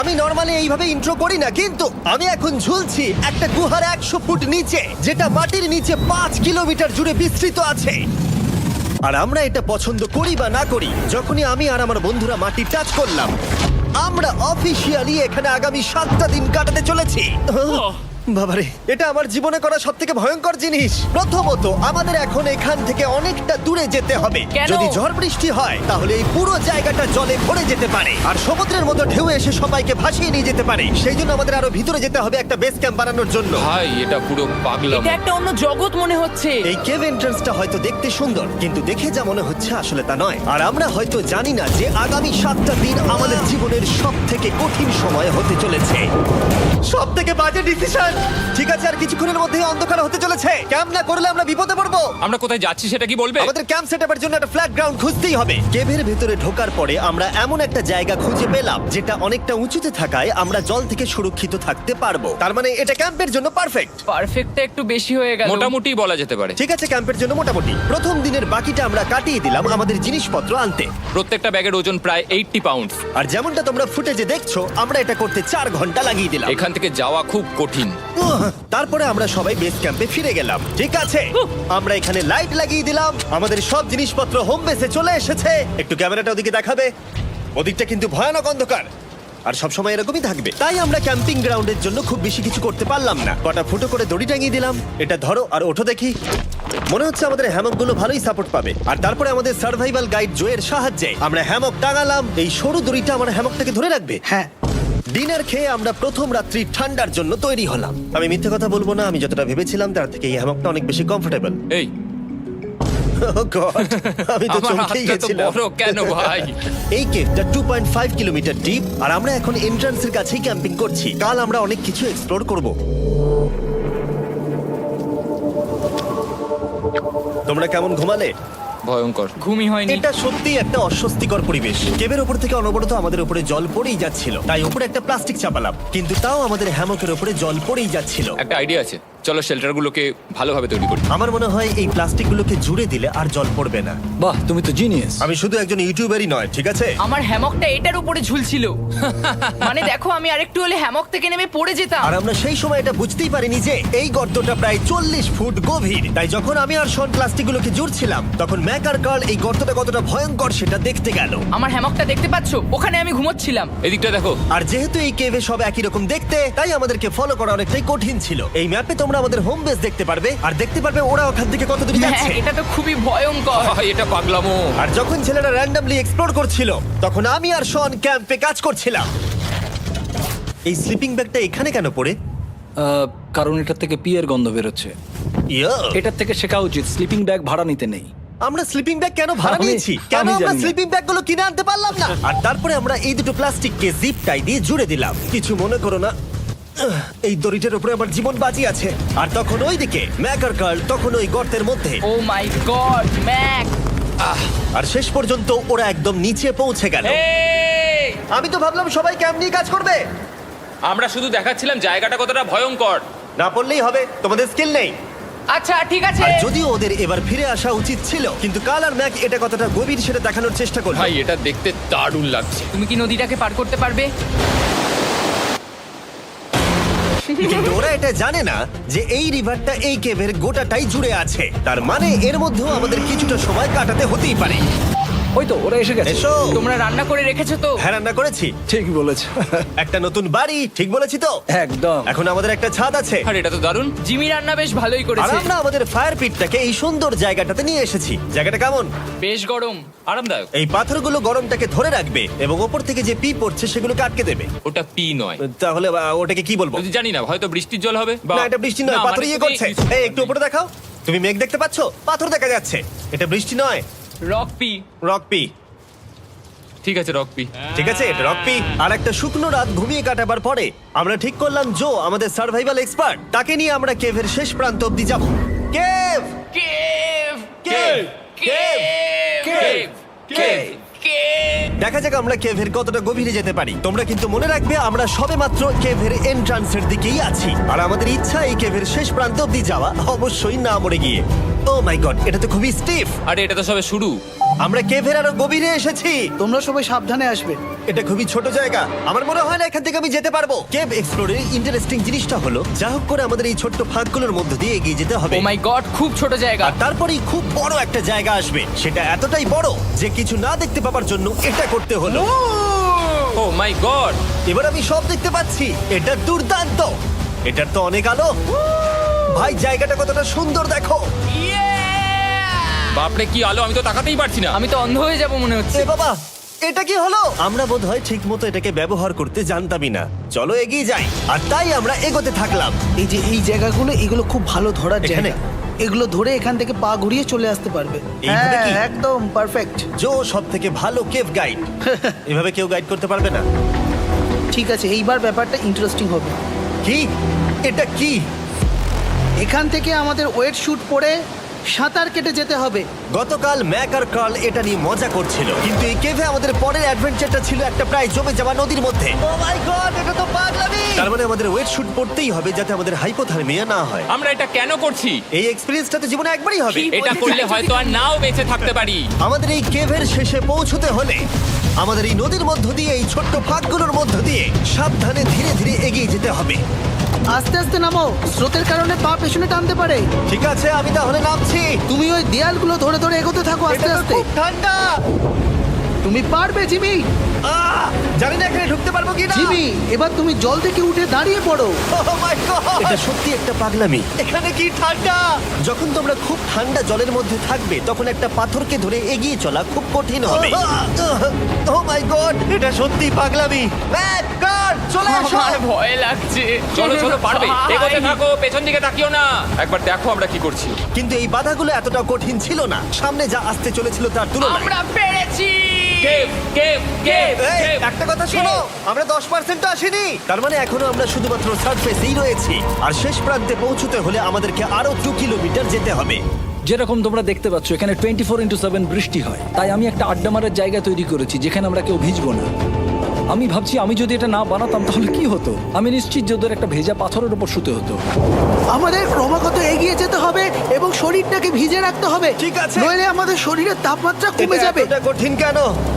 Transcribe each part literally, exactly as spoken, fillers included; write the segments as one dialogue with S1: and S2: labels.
S1: আমি নরমালি এইভাবে ইন্ট্রো করি না, কিন্তু আমি এখন ঝুলছি একটা গুহার একশো ফুট নিচে, যেটা মাটির নিচে পাঁচ কিলোমিটার জুড়ে বিস্তৃত আছে। আর আমরা এটা পছন্দ করি বা না করি, যখনই আমি আর আমার বন্ধুরা মাটি টাচ করলাম, আমরা অফিসিয়ালি এখানে আগামী সাতটা দিন কাটাতে চলেছি। বাবারে, এটা আমার জীবনে করা সব থেকে ভয়ঙ্কর জিনিস। প্রথমত, আমাদের এখন এখান থেকে অনেকটা দূরে যেতে হবে।
S2: কেন?
S1: যদি ঝড় বৃষ্টি হয় তাহলে এই পুরো জায়গাটা জলে ভরে যেতে পারে, আর সমুদ্রের মতো ঢেউ এসে সবাইকে ভাসিয়ে নিয়ে যেতে পারে। সেই জন্য আমাদের আরো ভিতরে যেতে হবে একটা বেস ক্যাম্প বানানোর জন্য।
S3: ভাই এটা পুরো পাগলাম।
S2: এটা একটা অন্য জগৎ মনে হচ্ছে।
S1: এই কেভ এন্ট্রান্সটা হয়তো দেখতে সুন্দর, কিন্তু দেখে যা মনে হচ্ছে আসলে তা নয়। আর আমরা হয়তো জানি না যে আগামী সাতটা দিন আমাদের জীবনের সব থেকে কঠিন সময় হতে চলেছে। সব থেকে বাজে ডিসিশন। ঠিক আছে, আর কিছুক্ষণের মধ্যেই অন্ধকার হতে চলেছে। ক্যাম্প না করলে আমরা বিপদে পড়বো।
S3: আমরা কোথায় যাচ্ছি সেটা কি বলবে?
S1: আমাদের ক্যাম্প সেটআপের জন্য একটা ফ্ল্যাট গ্রাউন্ড খুঁজতেই হবে। কেভের ভেতরে ঢোকার পরে আমরা এমন একটা জায়গা খুঁজে পেলাম যেটা অনেকটা উঁচুতে থাকায় আমরা জল থেকে সুরক্ষিত থাকতে পারবো। তার মানে এটা ক্যাম্পের জন্য পারফেক্ট।
S2: পারফেক্টটা একটু বেশি হয়ে গেল।
S3: মোটামুটি বলা যেতে পারে।
S1: ঠিক আছে, ক্যাম্পের জন্য মোটামুটি। প্রথম দিনের বাকিটা আমরা কাটিয়ে দিলাম আমাদের জিনিসপত্র আনতে।
S3: প্রত্যেকটা ব্যাগের ওজন প্রায় আশি পাউন্ড।
S1: আর যেমনটা তোমরা ফুটেজে দেখছো, আমরা এটা করতে চার ঘন্টা লাগিয়ে দিলাম।
S3: এখান থেকে যাওয়া খুব কঠিন।
S1: উহ, তারপরে আমরা সবাই বেস ক্যাম্পে ফিরে গেলাম। ঠিক আছে, আমরা এখানে লাইট লাগিয়ে দিলাম। আমাদের সব জিনিসপত্র হোম বেসে চলে এসেছে। একটু ক্যামেরাটা ওদিকে দেখাবে? ওদিকটা কিন্তু ভয়ানক অন্ধকার, আর সবসময় এরকমই থাকবে। তাই আমরা ক্যাম্পিং গ্রাউন্ডের জন্য খুব বেশি কিছু করতে পারলাম না। কটা ফুটো করে দড়ি টাঙিয়ে দিলাম। এটা ধরো আর ওঠো দেখি। মনে হচ্ছে আমাদের হ্যামকগুলো ভালোই সাপোর্ট পাবে। আর তারপরে আমাদের সার্ভাইভাল গাইড জোয়ের সাহায্যে আমরা হ্যামক টাঙালাম। এই সরু দড়িটা আমার হ্যামকটাকে ধরে রাখবে।
S4: হ্যাঁ,
S1: ডিনার খেয়ে আমরা প্রথম রাত্রি ঠান্ডার জন্য তৈরি হলাম। আমি মিথ্যে কথা বলবো না, আমি যতটা ভেবেছিলাম তার থেকে এই হ্যামকটা অনেক বেশি কমফোর্টেবল।
S3: এই
S1: আমি তো
S3: আমার
S1: চমকেই
S3: হাতটা তো
S1: গেছিলাম।
S3: বড় কেন ভাই?
S1: এই কেভটা two point five kilometre deep, আর আমরা এখন এন্ট্রান্সের কাছেই ক্যাম্পিং করছি। কাল আমরা অনেক কিছু এক্সপ্লোর করব। তোমরা কেমন ঘুমালে?
S3: ভয়ঙ্কর।
S2: ঘুমই হয়নি।
S1: এটা সত্যি একটা অস্বস্তিকর পরিবেশ। কেবের ওপর থেকে অনবরত আমাদের উপরে জল পড়েই যাচ্ছিল, তাই উপরে একটা প্লাস্টিক চাপালাম, কিন্তু তাও আমাদের হ্যামকের উপরে জল পড়েই যাচ্ছিল।
S3: একটা আইডিয়া আছে, চলো শেল্টারগুলোকে ভালোভাবে তৈরি করি।
S1: আমার মনে হয় এই প্লাস্টিকগুলোকে জুড়ে দিলে আর জল পড়বে না।
S4: বাহ, তুমি তো জিনিয়াস।
S1: আমি শুধু একজন ইউটিউবারই নয়, ঠিক আছে?
S2: আমার হ্যামকটা এটার উপরে ঝুলছিল। মানে দেখো, আমি আরেকটু হলে হ্যামক থেকে নেমে পড়ে যেতাম।
S1: আর আমরা সেই সময় এটা বুঝতেই পারিনি যে এই গর্তটা প্রায় চল্লিশ ফুট গভীর। তাই যখন আমি আর শন প্লাস্টিকগুলোকে জুড়ছিলাম, তখন ম্যাক আর কার্ল এই গর্তটা কতটা ভয়ঙ্কর সেটা দেখতে গেল।
S2: আমার হ্যামকটা দেখতে পাচ্ছো? ওখানে আমি ঘুমোচ্ছিলাম।
S3: এদিকটা দেখো।
S1: আর যেহেতু এই কেভে সব একই রকম দেখতে, তাই আমাদেরকে ফলো করা অনেকটাই কঠিন ছিল। এই ম্যাপে তোমরা আমাদের হোম বেস দেখতে পারবে, আর দেখতে পারবে ওরা ওখান থেকে কত দূর
S2: হ্যাঁ,
S1: যাচ্ছে।
S2: এটা তো খুবই ভয়ঙ্কর।
S3: ভাই, এটা পাগলামো।
S1: আর যখন ছেলেরা র্যান্ডমলি এক্সপ্লোর করছিল, তখন আমি আর শন ক্যাম্পে কাজ করছিলাম। এই স্লিপিং ব্যাগটা এখানে কেন পড়ে?
S4: আহ, কারণ এটার থেকে পিয়ের গন্ধ বেরোচ্ছে।
S1: ইয়া,
S4: এটার থেকে শেখা উচিত স্লিপিং ব্যাগ ভাড়া নিতে নেই।
S1: আমরা স্লিপিং ব্যাগ কেন ভাড়া
S4: আমি-
S1: নিয়েছি? কেন
S4: আমি
S1: আমরা
S4: জানি না।
S1: স্লিপিং ব্যাগ গুলো কিনে আনতে পারলাম না? আর তারপরে আমরা এই দুটো প্লাস্টিককে জিপ টাই দিয়ে জুড়ে দিলাম। কিছু মনে করো না, আহ, এই দড়িটার উপরে আমার জীবন বাজি আছে। আর তখন ওইদিকে ম্যাক আর কার্ল তখন ওই গর্তের মধ্যে।
S2: ও মাই গড, ম্যাক!
S1: আর শেষ পর্যন্ত ওরা একদম নিচে পৌঁছে গেল।
S3: এই,
S1: আমি তো ভাবলাম সবাই ক্যাম্প নিয়ে কাজ করবে।
S3: আমরা শুধু দেখাচ্ছিলাম জায়গাটা কতটা ভয়ঙ্কর।
S1: না পড়লেই হবে, তোমাদের স্কিল নেই।
S2: আচ্ছা, ঠিক আছে।
S1: আর যদিও ওদের এবার ফিরে আসা উচিত ছিল, কিন্তু কাল আর ম্যাক এটা কতটা গভীর সেটা দেখানোর চেষ্টা করলো।
S3: ভাই, এটা দেখতে দারুণ লাগছে।
S2: তুমি কি নদীটাকে পার করতে পারবে?
S1: কিন্তু ওরা এটা জানে না যে এই রিভারটা এই কেভের গোটাটাই জুড়ে আছে। তার মানে এর মধ্যেও আমাদের কিছুটা সময় কাটাতে হতেই পারে।
S4: ওই তো ওরা এসে গেছে।
S1: এসো।
S2: তোমরা রান্না করে রেখেছো তো?
S1: হ্যাঁ, রান্না করেছি।
S4: ঠিক বলেছ।
S1: একটা নতুন বাড়ি, ঠিক বলেছি তো?
S4: একদম।
S1: এখন আমাদের একটা ছাদ আছে।
S3: আর এটা তো দারুণ।
S2: জিমি রান্না বেশ ভালোই
S1: আর
S2: করেছে।
S1: আমরা আমাদের ফায়ার পিটটাকে এই সুন্দর জায়গাটাতে নিয়ে এসেছি। জায়গাটা কেমন?
S2: বেশ গরম।
S3: আরামদায়ক।
S1: এই পাথরগুলো গরমটাকে ধরে রাখবে এবং ওপর থেকে যে পি পড়ছে সেগুলোকে আটকে দেবে।
S3: ওটা পি নয়।
S1: তাহলে আহ, ওটাকে কি বলবো?
S3: যদি জানি না, হয়তো বৃষ্টির জল হবে বা
S1: না, এটা বৃষ্টি নয়,
S3: না,
S1: পাথর
S3: মানে
S1: ইয়ে
S3: তুমি-
S1: করছে। এই একটু উপরে দেখাও। তুমি মেঘ দেখতে পাচ্ছো? পাথর দেখা যাচ্ছে। এটা বৃষ্টি নয়,
S2: রক পি।
S1: Rock P.
S3: ঠিক আছে, রক পি।
S1: ঠিক আছে, এটা রক পি। আর একটা শুকনো রাত ঘুমিয়ে কাটাবার পরে আমরা ঠিক করলাম জো আমাদের সার্ভাইভাল এক্সপার্ট, তাকে নিয়ে আমরা কেভের শেষ প্রান্ত অব্দি যাব। Cave
S2: cave!
S1: Cave
S2: cave!
S1: Cave cave
S2: cave!
S1: দেখা যাক আমরা কেভের কতটা গভীরে যেতে পারি। তোমরা কিন্তু মনে রাখবে আমরা সবেমাত্র কেভের এন্ট্রান্সের দিকেই আছি, আর আমাদের ইচ্ছা এই কেভের শেষ প্রান্ত অব্দি যাওয়া, অবশ্যই না মরে গিয়ে। ও মাই গড, এটা তো খুবই স্টিফ।
S3: আরে এটা তো সবে শুরু।
S1: আমরা কেভের আরো গভীরে এসেছি।
S5: তোমরা সবাই সাবধানে আসবে।
S1: এটা খুবই ছোট জায়গা, আমার মনে হয় না এখান থেকে আমি যেতে পারবো। কেভ এক্সপ্লোরের ইন্টারেস্টিং জিনিসটা হলো যা হোক করে আমাদের এই ছোট্ট ফাঁকগুলোর মধ্যে দিয়ে এগিয়ে যেতে হবে।
S2: ও মাই গড, খুব ছোট জায়গা।
S1: আর তারপরেই খুব বড় একটা জায়গা আসবে, সেটা এতটাই বড় যে কিছু না দেখতে পাওয়ার জন্য এটা করতে হলো।
S3: Oh my god!
S1: এবার আমি সব দেখতে পাচ্ছি, এটা দুর্দান্ত। এটার তো অনেক আলো। ভাই জায়গাটা কতটা সুন্দর দেখো।
S3: বাপরে কি আলো, আমি তো তাকাতেই পারছি না।
S2: আমি তো অন্ধ হয়ে যাব মনে হচ্ছে।
S1: এ বাবা, এটা কি হলো? আমরা বোধহয় ঠিক মতো এটাকে ব্যবহার করতে জানতামই না। চলো এগিয়ে যাই। আর তাই আমরা এগোতে থাকলাম।
S5: এই যে এই জায়গাগুলো, এগুলো খুব ভালো ধরার
S1: এখানে?
S5: জায়গা। এগুলো ধরে এখান থেকে পা ঘুরিয়ে চলে আসতে পারবে।
S1: এইভাবে
S5: হ্যাঁ,
S1: কি?
S5: একদম পারফেক্ট।
S1: জো সব থেকে ভালো কেভ গাইড। এভাবে কেউ গাইড করতে পারবে না।
S5: ঠিক আছে, এইবার ব্যাপারটা ইন্টারেস্টিং হবে।
S1: কি? এটা কি?
S5: এখান থেকে আমাদের ওয়েট শুট পরে সাঁতার কেটে যেতে হবে।
S1: গতকাল ম্যাক আর কার্ল এটা নিয়ে মজা করছিল, কিন্তু এই কেভে আমাদের পরের অ্যাডভেঞ্চারটা ছিল একটা প্রায় জমে যাওয়া নদীর মধ্যে। ও মাই গড, এটা তো পাগলামি! তার মানে আমাদের ওয়েট শুট পড়তেই হবে যাতে আমাদের হাইপোথার্মিয়া না হয়।
S3: আমরা এটা কেন করছি?
S1: এই এক্সপেরিয়েন্সটা তো জীবনে একবারই হবে।
S2: কি?
S3: এটা
S2: বলতে
S3: করলে
S2: চাইছো
S3: হয়তো
S2: কি
S3: আর নাও বেঁচে থাকতে পারি।
S1: আমাদের এই কেভের শেষে পৌঁছতে হলে আমাদের এই নদীর মধ্য দিয়ে, এই ছোট্ট ফাঁকগুলোর মধ্য দিয়ে সাবধানে ধীরে ধীরে এগিয়ে যেতে হবে।
S5: আস্তে আস্তে নামো, স্রোতের কারণে পা পেছনে টানতে পারে।
S1: ঠিক আছে, আমি তাহলে নামছি।
S5: তুমি ওই দেয়ালগুলো ধরে ধরে এগোতে থাকো আস্তে
S1: এটা তো
S5: আস্তে।
S1: খুব ঠান্ডা।
S5: তুমি পারবে জিমি।
S1: আহ! জানি না এখানে ঢুকতে পারবো কি না।
S5: জিমি, এবার তুমি জল থেকে উঠে দাঁড়িয়ে পড়ো।
S1: এটা সত্যি একটা পাগলামি। এখানে কি ঠান্ডা! যখন তোমরা খুব ঠান্ডা জলের মধ্যে থাকবে তখন একটা পাথরকে ধরে এগিয়ে চলা খুব কঠিন হবে। ও মাই গড, এটা সত্যি পাগলামি। ম্যাক, কার, চলে এসো।
S2: আমার ভয় লাগছে।
S3: চলো চলো, পারবে।
S2: ভাই।
S3: এগোতে থাকো, পেছন দিকে তাকিও না। একবার দেখো আমরা কি করছি।
S1: কিন্তু এই বাধাগুলো এতটা কঠিন ছিল না সামনে যা আসতে চলেছিল তার তুলনায়।
S2: আমরা পেরেছি।
S3: কেভ কেভ কেভ
S1: এই,
S3: কেভ।
S1: একটা কথা শোনো, আমরা দশ পার্সেন্ট আসিনি। তার মানে এখনো আমরা শুধুমাত্র সার্ফেসেই রয়েছি, আর শেষ প্রান্তে পৌঁছতে হলে আমাদেরকে আরো দু কিলোমিটার যেতে হবে।
S4: যেরকম তোমরা দেখতে পাচ্ছ এখানে টোয়েন্টি ফোর ইন্টু সেভেন বৃষ্টি হয়, তাই আমি একটা আড্ডা মারার জায়গা তৈরি করেছি যেখানে আমরা কেউ ভিজবো না। আমি ভাবছি আমি যদি এটা না বানাতাম তাহলে কি হতো। আমি নিশ্চিত যে ওদের একটা ভেজা পাথরের উপর শুতে হতো।
S5: আমাদের ক্রমাগত এগিয়ে যেতে হবে এবং শরীরটাকে ভিজে রাখতে হবে।
S1: ঠিক আছে।
S5: নইলে আমাদের শরীরের তাপমাত্রা কমে
S1: এটা
S5: যাবে।
S1: এতটা কঠিন কেন?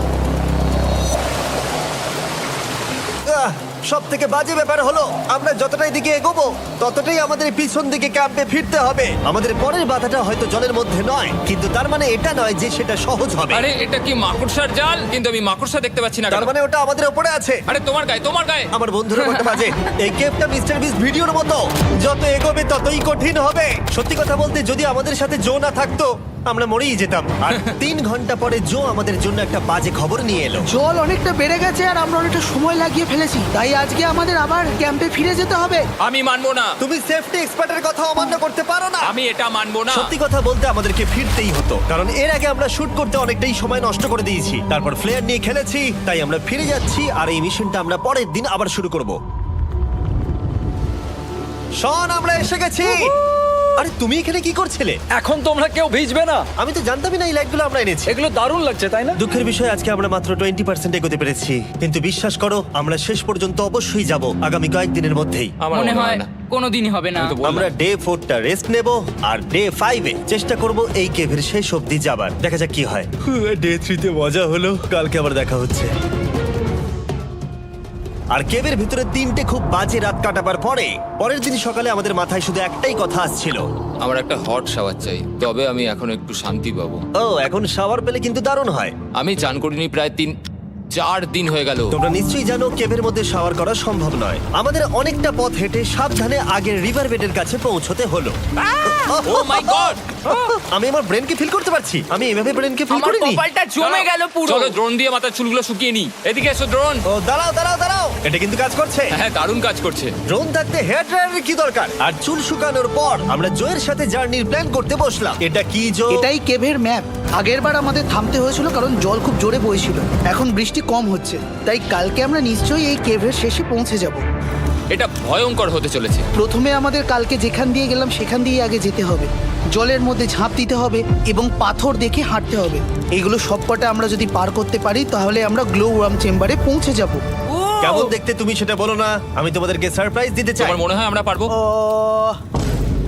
S1: সব থেকে বাজে ব্যাপার হলো আমরা যতটাই দিকে এগোবো ততটাই আমাদের পিছন দিকে ক্যাম্পে ফিরতে হবে। আমাদের পরের বাধাটা হয়তো জলের মধ্যে নয়, কিন্তু তার মানে এটা নয় যে সেটা সহজ হবে।
S3: আরে এটা কি মাকড়সার জাল? কিন্তু আমি মাকড়সা দেখতে পাচ্ছি না।
S1: তার
S3: কেন?
S1: মানে ওটা আমাদের উপরে আছে।
S3: আরে তোমার গায়ে, তোমার গায়ে।
S1: আমার বন্ধুরা বলতে বাজে, এই গেমটা মিস্টার বিস ভিডিওর মতো, যত এগোবে ততই কঠিন হবে। সত্যি কথা বলতে যদি আমাদের সাথে জো না থাকতো আমরা মরেই যেতাম। আর তিন ঘন্টা পরে জো আমাদের জন্য একটা বাজে খবর নিয়ে এলো।
S5: জল অনেকটা বেড়ে গেছে আর আমরা অনেকটা সময় লাগিয়ে ফেলেছি, তাই আজকে আমাদের আবার ক্যাম্পে ফিরে যেতে হবে।
S3: আমি মানবো না।
S1: তুমি সেফটি এক্সপার্টের কথা অমান্য করতে পারো না।
S3: আমি এটা মানবো না।
S1: সত্যি কথা বলতে আমাদেরকে ফিরতেই হতো, কারণ এর আগে আমরা শুট করতে অনেকটাই সময় নষ্ট করে দিয়েছি। তারপর ফ্লেয়ার নিয়ে খেলেছি, তাই আমরা ফিরে যাচ্ছি আর এই মিশনটা আমরা পরের দিন আবার শুরু করব। শন, আমরা এসে গেছি। আরে তুমি এখানে কি করছিলে?
S4: এখন তোমরা কেউ ভিজবে না।
S1: আমি তো জানতামই না এই লাইটগুলো আমরা এনেছি।
S4: এগুলো দারুণ লাগছে তাই না?
S1: দুঃখের বিষয় আজকে আমরা মাত্র টোয়েন্টি পার্সেন্ট এগোতে পেরেছি, কিন্তু বিশ্বাস করো আমরা শেষ পর্যন্ত অবশ্যই যাব আগামী কয়েকদিনের মধ্যেই।
S3: আমার
S2: মনে হয় কোনোদিনই হবে না।
S3: আমি তো বললাম।
S1: আমরা ডে ফোরটা রেস্ট নেব আর ডে ফাইভে চেষ্টা করব এই কেভের শেষ অবধি যাবার। দেখা যাক কি হয়। ডে থ্রিতে মজা হলো, কালকে আবার দেখা হচ্ছে। আর কেভের ভিতরে তিনটে খুব বাজে রাত কাটাবার পরে পরের দিন সকালে আমাদের মাথায় শুধু একটাই কথা আসছিল,
S3: আমার একটা হট শাওয়ার চাই, তবে আমি এখন একটু শান্তি পাবো।
S1: ও এখন শাওয়ার পেলে কিন্তু দারুণ হয়।
S3: আমি চান করিনি প্রায় তিন চার দিন হয়ে গেল।
S1: তোমরা নিশ্চয়ই জানো কেভের মধ্যে শাওয়ার করা সম্ভব নয়। আমাদের অনেকটা পথ হেঁটে সাবধানে আগের রিভার বেডের কাছে পৌঁছতে হলো।
S3: Oh my god!
S1: আমি আমার ব্রেনকে ফিল করতে পারছি। আমি এভাবে ব্রেনকে ফিল
S2: আমার
S1: করিনি।
S2: কপালটা জমে গেল পুরো।
S3: চলো ড্রোন দিয়ে মাথার চুলগুলো শুকিয়ে নি। এদিকে এসো ড্রোন।
S1: ও দাঁড়াও দাঁড়াও দাঁড়াও, এটা কিন্তু কাজ করছে।
S3: হ্যাঁ, দারুণ কাজ করছে।
S1: ড্রোন থাকতে হেয়ার ড্রায়ারের কি দরকার? আর চুল শুকানোর পর আমরা জোয়ের সাথে জার্নির প্ল্যান করতে বসলাম। এটা কি জো?
S5: এটাই কেভের ম্যাপ। আগেরবার আমাদের থামতে হয়েছিল কারণ জল খুব জোরে বইছিল। এখন বৃষ্টি কম হচ্ছে, তাই কালকে আমরা নিশ্চয়ই এই কেভের শেষে পৌঁছে যাব।
S3: এটা ভয়ঙ্কর হতে চলেছে।
S5: প্রথমে আমাদের কালকে যেখান দিয়ে গেলাম সেখান দিয়ে আগে যেতে হবে। জলের মধ্যে ঝাঁপ দিতে হবে এবং পাথর দেখে হাঁটতে হবে। এগুলো সবকটা আমরা যদি পার করতে পারি তাহলে আমরা গ্লো ওয়ার্ম চেম্বারে পৌঁছে যাব।
S1: কেমন দেখতে তুমি সেটা বলো না, আমি তোমাদেরকে সারপ্রাইজ দিতে চাই।
S3: তোমার মনে হয় আমরা পারবো?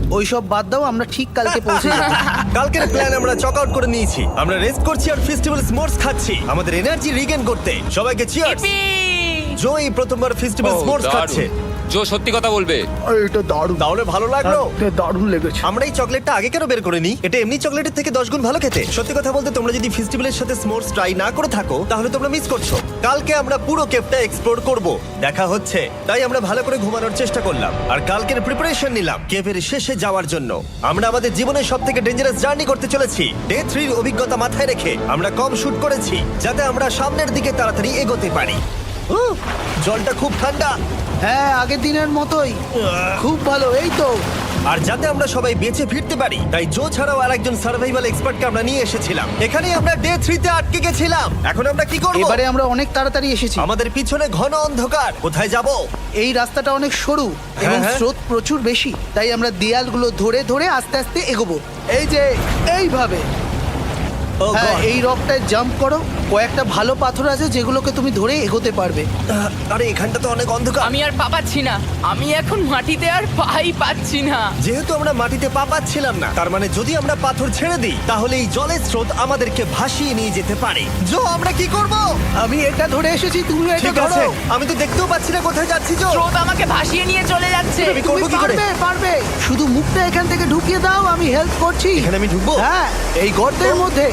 S5: ওইসব বাদ দাও, আমরা ঠিক কালকে পৌঁছে যাবো।
S1: কালকের প্ল্যান আমরা চক আউট করে নিয়েছি। আমরা রেস্ট করছি আর ফেস্টিভ্যাল স্মোর্স খাচ্ছি আমাদের এনার্জি রিগেন করতে। সবাইকে চিয়ার্স।
S2: Yippee!
S1: জো এই প্রথমবার ফেস্টিভ্যাল
S3: ও,
S1: স্মোর্স
S3: দারুণ।
S1: খাচ্ছে।
S3: জো সত্যি কথা বলবে।
S5: এটা দারুণ,
S1: তাহলে ভালো লাগলো?
S5: দারুণ লেগেছে।
S1: আমরা এই চকলেটটা আগে কেন বের করে নি? এটা এমনি চকলেটের থেকে দশ গুণ ভালো খেতে। সত্যি কথা বলতে তোমরা যদি ফেস্টিভ্যালের সাথে স্মোর্স ট্রাই না করে থাকো তাহলে তোমরা মিস করছো। কালকে আমরা পুরো কেভটা এক্সপ্লোর করব, দেখা হচ্ছে। তাই আমরা ভালো করে ঘুমানোর চেষ্টা করলাম আর কালকের প্রিপারেশন নিলাম কেভের শেষে যাওয়ার জন্য। আমরা আমাদের জীবনের সব থেকে ডেঞ্জারাস জার্নি করতে চলেছি। ডে থ্রির অভিজ্ঞতা মাথায় রেখে আমরা কম শুট করেছি যাতে আমরা সামনের দিকে তাড়াতাড়ি এগোতে পারি। উহ, জলটা খুব ঠান্ডা
S5: হ্যাঁ, আগের দিনের মতোই খুব ভালো। এই তো
S1: আর যাতে আমরা সবাই বেঁচে ফিরতে পারি তাই জো ছাড়াও আর একজন সার্ভাইভাল এক্সপার্টকে আমরা নিয়ে এসেছিলাম। এখানেই আমরা ডে থ্রিতে আটকে গেছিলাম। এখন আমরা কি করব?
S5: এবারে আমরা অনেক তাড়াতাড়ি এসেছি।
S1: আমাদের পিছনে ঘন অন্ধকার, কোথায় যাব?
S5: এই রাস্তাটা অনেক সরু এবং
S1: হ্যাঁ।
S5: স্রোত প্রচুর বেশি, তাই আমরা দেয়ালগুলো ধরে ধরে আস্তে আস্তে এগোবো। এই যে এইভাবে।
S1: ও
S5: হ্যাঁ,
S1: God!
S5: এই রকটায় জাম্প করো। কয়েকটা ভালো পাথর আছে যেগুলোকে তুমি ধরে এগোতে পারবে।
S1: আহ, আরে এখানটা তো অনেক অন্ধকার।
S2: আমি আর পা পাচ্ছি না, আমি এখন মাটিতে আর পাই পাচ্ছি না।
S1: যেহেতু আমরা মাটিতে পা পাচ্ছিলাম না, তার মানে যদি আমরা পাথর ছেড়ে দিই তাহলে এই জলের স্রোত আমাদেরকে ভাসিয়ে নিয়ে যেতে পারে। জো, আমরা কি করব?
S5: আমি এটা ধরে এসেছি, তুমি এটা
S1: ঠিক আছে,
S5: ধরো।
S1: আমি তো দেখতেও পাচ্ছি না কোথায় যাচ্ছি। জো,
S2: স্রোত আমাকে ভাসিয়ে নিয়ে চলে যাচ্ছে।
S1: আমি
S5: তুমি
S1: করবো কি করে?
S5: পারবে, পারবে। শুধু মুখটা এখান থেকে ঢুকিয়ে দাও, আমি হেল্প করছি।
S1: এখানে আমি ঢুকবো?
S5: হ্যাঁ, এই গর্তের মধ্যে।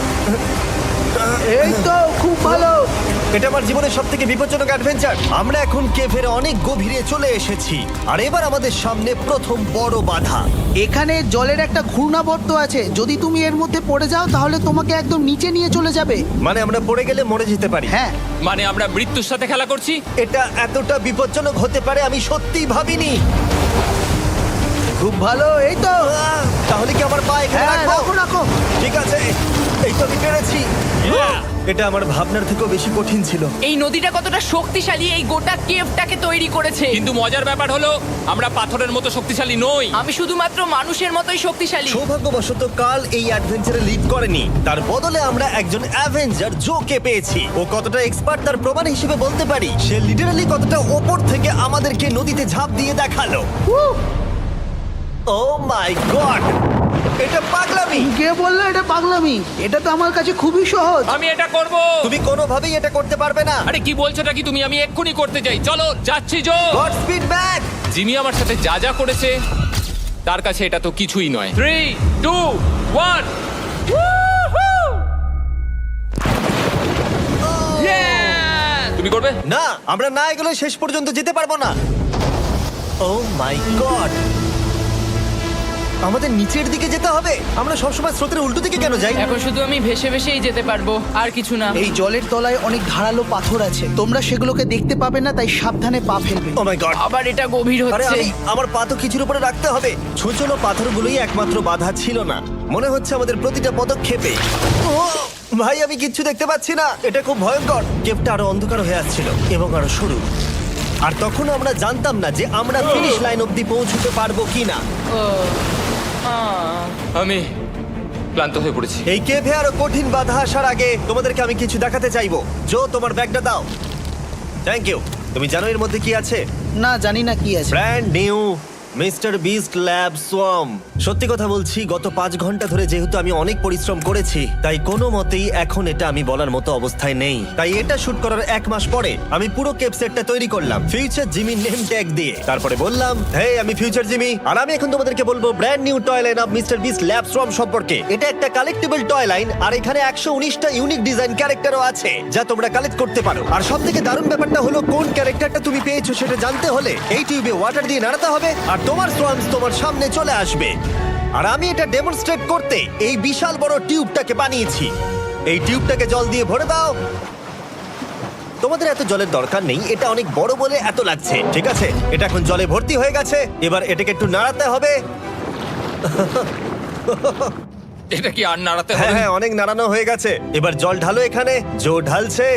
S5: এই তো, খুব ভালো।
S1: এটা আমার জীবনের সব থেকে বিপজ্জনক অ্যাডভেঞ্চার। আমরা এখন কেভের অনেক গভীরে চলে এসেছি আর এবার আমাদের সামনে প্রথম বড় বাধা।
S5: এখানে জলের একটা ঘূর্ণাবর্ত আছে, যদি তুমি এর মধ্যে পড়ে যাও তাহলে তোমাকে একদম নিচে নিয়ে চলে যাবে।
S1: মানে আমরা পড়ে গেলে মরে যেতে পারি।
S5: হ্যাঁ,
S3: মানে আমরা মৃত্যুর সাথে খেলা করছি।
S1: এটা এতটা বিপজ্জনক হতে পারে আমি সত্যিই ভাবিনি।
S5: খুব ভালো। এই তো,
S1: আহ, তাহলে কি আমার পা এখানে
S5: হ্যাঁ,
S1: রাখবো?
S5: রাখো রাখো।
S1: ঠিক আছে, এই তো আমি পেরেছি।
S3: Yeah!
S1: এটা আমার ভাবনার থেকেও বেশি কঠিন ছিল।
S2: এই নদীটা কতটা শক্তিশালী এই গোটা কেভটাকে তৈরি করেছে।
S3: কিন্তু মজার ব্যাপার হলো আমরা পাথরের মতো শক্তিশালী নই।
S2: আমি শুধুমাত্র মানুষের মতোই শক্তিশালী।
S1: সৌভাগ্যবশত কাল এই অ্যাডভেঞ্চারে লিড করেনি, তার বদলে আমরা একজন অ্যাভেঞ্জার জোকে পেয়েছি। ও কতটা এক্সপার্ট তার প্রমাণ হিসেবে বলতে পারি। সে লিটারালি কতটা ওপর থেকে আমাদেরকে নদীতে ঝাঁপ দিয়ে দেখালো। ও মাই গড, এটা পাগলামি।
S5: কে বললো এটা পাগলামি? এটা তো আমার কাছে খুবই সহজ।
S3: আমি এটা করব।
S1: তুমি কোনোভাবেই এটা করতে পারবে না।
S3: আরে কি বলছোটা কি তুমি? আমি এক্ষুনি করতে চাই। চলো যাচ্ছি Joe.
S1: God speed back.
S3: Jimmy আমার সাথে যা যা করেছে তার কাছে এটা তো কিছুই নয়। Three two one. তুমি করবে?
S1: না, আমরা না এগুলো শেষ পর্যন্ত যেতে পারবো না। ও মাই গড, আমাদের নিচের দিকে যেতে হবে। আমরা সবসময় স্রোতের উল্টো দিকে কেন যাই?
S2: এখন শুধু আমি ভেসে ভেসেই যেতে পারবো, আর কিছু না।
S5: এই জলের তলায় অনেক ধারালো পাথর আছে, তোমরা সেগুলোকে দেখতে পাবে না, তাই সাবধানে পা ফেলবে।
S1: ও মাই গড,
S2: আবার এটা গভীর
S1: আরে
S2: হচ্ছে।
S1: আমি আমার পা তো কিছুর উপরে রাখতে হবে। ছোট পাথরগুলোই একমাত্র বাধা ছিল না, মনে হচ্ছে আমাদের প্রতিটা পদক্ষেপে। ও ভাই, আমি কিচ্ছু দেখতে পাচ্ছি না। এটা খুব ভয়ঙ্কর। কেভটা আরো অন্ধকার হয়ে আসছিল এবং আরো সরু। আর তখন আমরা জানতাম না যে আমরা ফিনিশ লাইন অবধি পৌঁছতে পারবো কিনা।
S2: ও, আহ।
S3: আমি ক্লান্ত হয়ে পড়েছি।
S1: এই কেভে আরো কঠিন বাধা আসার আগে তোমাদেরকে আমি কিছু দেখাতে চাইবো। জো, তোমার ব্যাগটা দাও। Thank you. তুমি জানো এর মধ্যে কি আছে?
S5: না, জানি না কি আছে।
S1: Brand new mister Beast lab swarm. সত্যি কথা বলছি, গত পাঁচ ঘন্টা ধরে যেহেতু আমি অনেক পরিশ্রম করেছি, তাই কোনো মতেই এখন এটা আমি বলার মতো অবস্থায় নেই। তাই এটা শুট করার এক মাস পরে আমি পুরো কেপ সেটটা তৈরি করলাম ফিউচার জিমি নেম ট্যাগ দিয়ে। তারপরে বললাম, হে, আমি ফিউচার জিমি, আর আমি এখন তোমাদেরকে বলবো brand new toy line of mister Beast lab swarm সম্পর্কে। এটা একটা কালেক্টেবল টয় লাইন, আর এখানে একশো উনিশটা ইউনিক ডিজাইন ক্যারেক্টারও আছে যা তোমরা কালেক্ট করতে পারো। আর সব থেকে দারুণ ব্যাপারটা হলো, কোন ক্যারেক্টারটা তুমি পেয়েছো সেটা জানতে হলে এই টিউবে ওয়াটার দিয়ে নাড়াতে হবে আর তোমার সোয়ামস তোমার সামনে চলে আসবে। আর আমি এটা ডেমনস্ট্রেট করতে এই বিশাল বড় টিউবটাকে বানিয়েছি। এই টিউবটাকে জল দিয়ে ভরে দাও। তোমাদের এত জলের দরকার নেই, এটা অনেক বড় বলে এত লাগছে। ঠিক আছে, এটা এখন জলে ভর্তি হয়ে গেছে। এবার এটাকে একটু নাড়াতে হবে।
S3: এটা কি আর নাড়াতে
S1: হ্যাঁ
S3: হবে?
S1: হ্যাঁ, অনেক নাড়ানো হয়ে গেছে। এবার জল ঢালো এখানে। জো ঢালছে।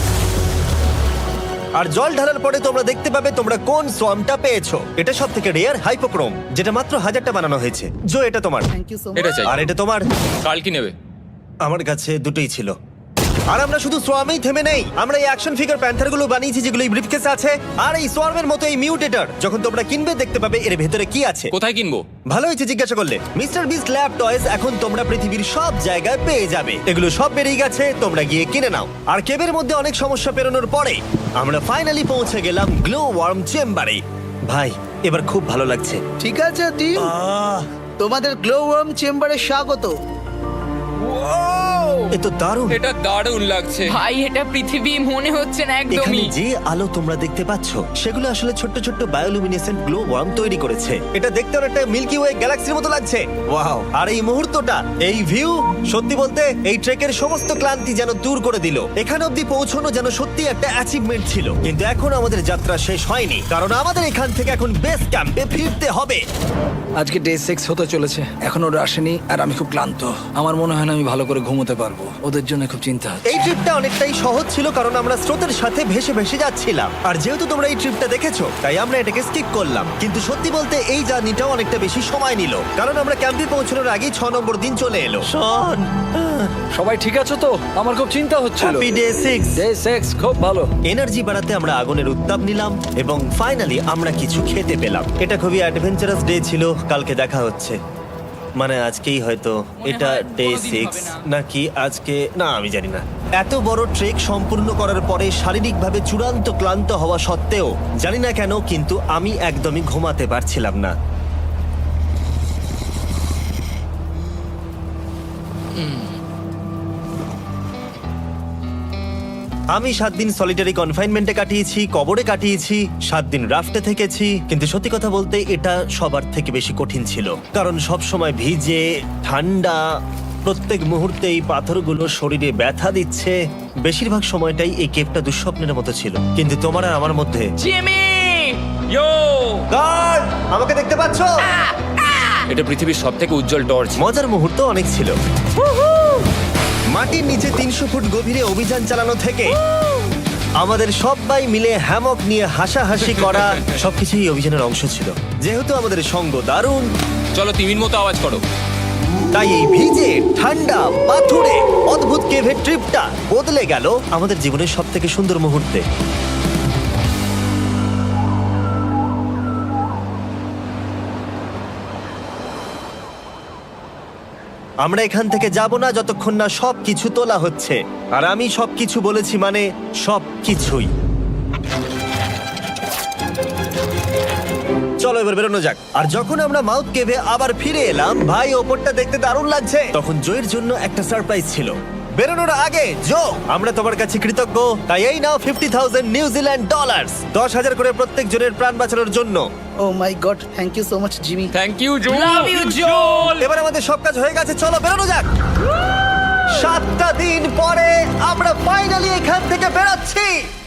S1: আর জল ঢালার পরে তোমরা দেখতে পাবে তোমরা কোন সোয়ামটা পেয়েছো। এটা সব থেকে রেয়ার হাইপোক্রোম, যেটা মাত্র হাজারটা বানানো হয়েছে। জো, এটা তোমার।
S5: থ্যাংক ইউ সো
S3: এটা
S5: মাচ।
S3: চাই।
S1: আর এটা তোমার।
S3: কাল কি নেবে?
S1: আমার কাছে দুটোই ছিল। আর আমরা শুধু সোয়ামেই থেমে নেই, আমরা এই অ্যাকশন ফিগার প্যান্থার গুলো বানিয়েছি যেগুলো এই ব্রিফকেসে আছে। আর এই সোয়ার্মের মতো এই মিউটেটর যখন তোমরা কিনবে দেখতে পাবে এর ভেতরে কি আছে।
S3: কোথায় কিনবো?
S1: ভালো হয়েছে জিজ্ঞাসা করলে। মিস্টার বিস্ট ল্যাব টয়েস এখন তোমরা পৃথিবীর সব জায়গায় পেয়ে যাবে। এগুলো সব বেরিয়ে গেছে, তোমরা গিয়ে কিনে নাও। আর কেবের মধ্যে অনেক সমস্যা পেরোনোর পরে আমরা ফাইনালি পৌঁছে গেলাম গ্লো ওয়ার্ম চেম্বারে। ভাই এবার খুব ভালো লাগছে।
S5: ঠিক আছে টিম,
S1: আহ,
S5: তোমাদের গ্লো ওয়ার্ম চেম্বারে স্বাগত।
S1: এ তো দারুণ।
S3: এটা দারুণ লাগছে।
S2: ভাই এটা পৃথিবী মনে হচ্ছে না
S1: এখানে
S2: একদমই।
S1: যে আলো তোমরা দেখতে পাচ্ছ সেগুলো আসলে ছোট্ট ছোট্ট বায়োলুমিনেসেন্ট গ্লো ওয়ার্ম তৈরি করেছে। এটা দেখতে অনেকটা মিল্কি ওয়ে গ্যালাক্সির মতো লাগছে। ওয়াও! আর এই মুহূর্তটা, এই ভিউ, সত্যি বলতে এই ট্রেকের সমস্ত ক্লান্তি যেন দূর করে দিল। এখান অবধি পৌঁছানো যেন সত্যি একটা অ্যাচিভমেন্ট ছিল। কিন্তু এখন আমাদের যাত্রা শেষ হয়নি, কারণ আমাদের এখান থেকে এখন বেস ক্যাম্পে ফিরতে হবে।
S4: আজকে ডে সিক্স হতে চলেছে, এখনো ওরা আসেনি আর আমি খুব ক্লান্ত। আমার মনে হয় না আমি ভালো করে ঘুমোতে পারবো, ওদের জন্য খুব চিন্তা হচ্ছে।
S1: এই ট্রিপটা অনেকটাই সহজ ছিল কারণ আমরা স্রোতের সাথে ভেসে ভেসে যাচ্ছিলাম। আর যেহেতু তোমরা এই ট্রিপটা দেখেছো তাই আমরা এটাকে স্কিপ করলাম। কিন্তু সত্যি বলতে এই জার্নিটাও অনেকটা বেশি সময় নিল, কারণ আমরা ক্যাম্পে পৌঁছানোর আগেই ছ নম্বর দিন চলে এলো। শন,
S4: সবাই ঠিক আছে তো? আমার খুব চিন্তা হচ্ছিল।
S1: Happy day six.
S4: Day six খুব ভালো।
S1: এনার্জি বাড়াতে আমরা আগুনের উত্তাপ নিলাম এবং ফাইনালি আমরা কিছু খেতে পেলাম। এটা খুবই অ্যাডভেঞ্চারাস ডে ছিল। কালকে দেখা হচ্ছে, মানে আজকেই হয়তো। এটা
S2: হয়
S1: ডে
S2: কোনোদিন
S1: সিক্স
S2: হবে না।
S1: নাকি আজকে, না আমি জানি না। এত বড় ট্রেক সম্পূর্ণ করার পরে শারীরিকভাবে চূড়ান্ত ক্লান্ত হওয়া সত্ত্বেও জানি না কেন কিন্তু আমি একদমই ঘুমাতে পারছিলাম না। আমি সাত দিন সলিটারি কনফাইনমেন্টে কাটিয়েছি, কবরে কাটিয়েছি, সাত দিন রাফটে থেকেছি। কিন্তু সত্যি কথা বলতে এটা সবার থেকে বেশি কঠিন ছিল, কারণ সব সময় ভিজে, ঠান্ডা, প্রত্যেক মুহূর্তে এই পাথরগুলো শরীরে ব্যথা দিচ্ছে। বেশিরভাগ সময়টাই এই কেভটা দুঃস্বপ্নের মতো ছিল। কিন্তু তোমার আর আমার মধ্যে
S2: জিমি!
S3: ইয়ো!
S1: গার্ড, আমাকে দেখতে পাচ্ছো?
S3: এটা পৃথিবীর সবথেকে উজ্জ্বল টর্চ।
S1: মজার মুহূর্ত অনেক ছিল। মাটির নিচে তিনশো ফুট গভীরে অভিযান চালানো থেকে আমাদের সবাই মিলে হ্যামক নিয়ে হাসাহাসি করা সবকিছুই এই অভিযানের অংশ ছিল। যেহেতু আমাদের সঙ্গ দারুণ,
S3: চলো তিমির মতো আওয়াজ করো।
S1: তাই এই ভিজে ঠান্ডা পাথুরে অদ্ভুত কেভের ট্রিপটা বদলে গেল আমাদের জীবনের সব থেকে সুন্দর মুহূর্তে। আমরা এখান থেকে যাব না যতক্ষণ না সব কিছু তোলা হচ্ছে। আর আমি সব কিছু বলেছি মানে সব কিছুই। চলো এবার বেরোনো যাক। আর যখন আমরা মাউথ কেভে আবার ফিরে এলাম, ভাই ওপরটা দেখতে দারুণ লাগছে। তখন জয়ের জন্য একটা সারপ্রাইজ ছিল। বেরোনোর আগে জো, আমরা তোমার কাছে কৃতজ্ঞ। তাই এই নাও ফিফটি থাউজেন্ড নিউজিল্যান্ড ডলার, দশ হাজার করে প্রত্যেক জনের প্রাণ বাঁচানোর জন্য।
S5: Oh my god, thank you so much Jimmy.
S3: Thank you Joe.
S2: Love you জোল!
S1: এবার আমাদের সব কাজ হয়ে গেছে, চলো বেরোনো যাক। সাতটা দিন পরে আমরা ফাইনালি এখান থেকে বেরোচ্ছি।